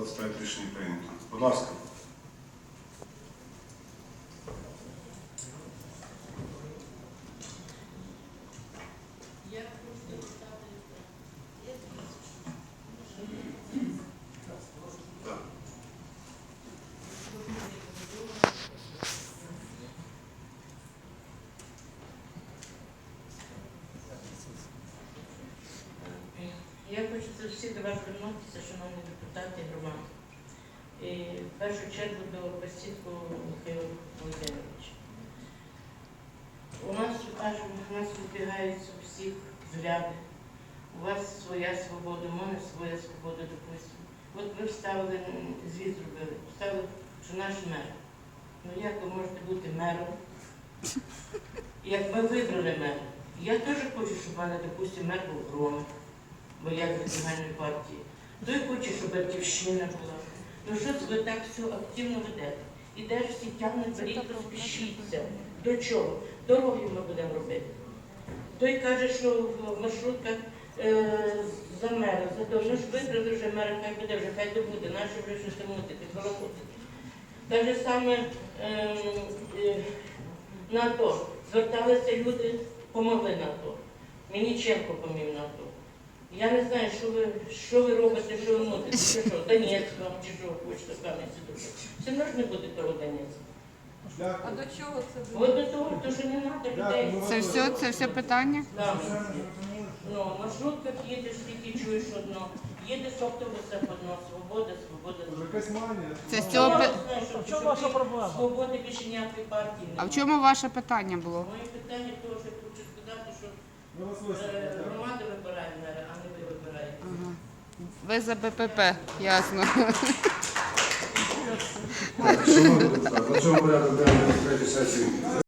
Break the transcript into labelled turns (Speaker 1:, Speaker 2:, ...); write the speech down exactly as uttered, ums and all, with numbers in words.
Speaker 1: двадцять п'ять рішення прийнято. Будь ласка.
Speaker 2: Я хочу всі до вас звернутися, шановні депутати і громади. І в першу чергу до Басідку Михайла Володимировича. У нас, кажемо, у нас вибігаються всіх взгляди. У вас своя свобода, у мене своя свобода, допустимо. От ви вставили, звіт зробили, вставили, що наш мер. Ну як ви можете бути мером? Як ми вибрали мера? Я теж хочу, щоб в мене, допустимо, мер був Громик, бо я з національної партії. Той хоче, щоб Батьківщина була. Ну що це ви так все активно ведете? Ідеш, всі тягнуть, беріть, розпишіться. До чого? Дороги ми будемо робити. Той каже, що в маршрутках е, за мера, за то, ну ж вибрали вже мера, хай буде, вже хай добуде, наші вже щось мутити, балакутити. Те ж саме е, е, на АТО. Зверталися люди, помогли на АТО. Мініченко помів на АТО. Я не знаю, що ви, що ви робите, що ви мутите, чи що, Донецьк вам, чи що хочете камінці дуже. Все одно ж не буде того Донецька.
Speaker 3: А до чого це
Speaker 2: От до того, то, що не треба людей.
Speaker 4: Це все, це все питання?
Speaker 2: Так. Ну, в маршрутках їдеш, тільки чуєш одно. Їдеш в автобусах одно, свобода, свобода.
Speaker 3: Якась манія.
Speaker 4: Це з цього
Speaker 2: Я
Speaker 4: пи-
Speaker 2: не знаю, що-
Speaker 5: В чому
Speaker 2: що
Speaker 5: ваша
Speaker 2: ти-
Speaker 5: проблема?
Speaker 2: Свободи більше ніякої партії
Speaker 4: А в
Speaker 2: немає.
Speaker 4: чому ваше питання було?
Speaker 2: Моє питання того, що я хочу сказати, що
Speaker 3: Ми вас
Speaker 2: е,
Speaker 3: вислухаємо.
Speaker 2: громада вибирає мера, а не ви вибираєте.
Speaker 4: Ага. Ви за БПП, ясно.
Speaker 1: Шановні депутати, на цьому порядок денний третьої сесії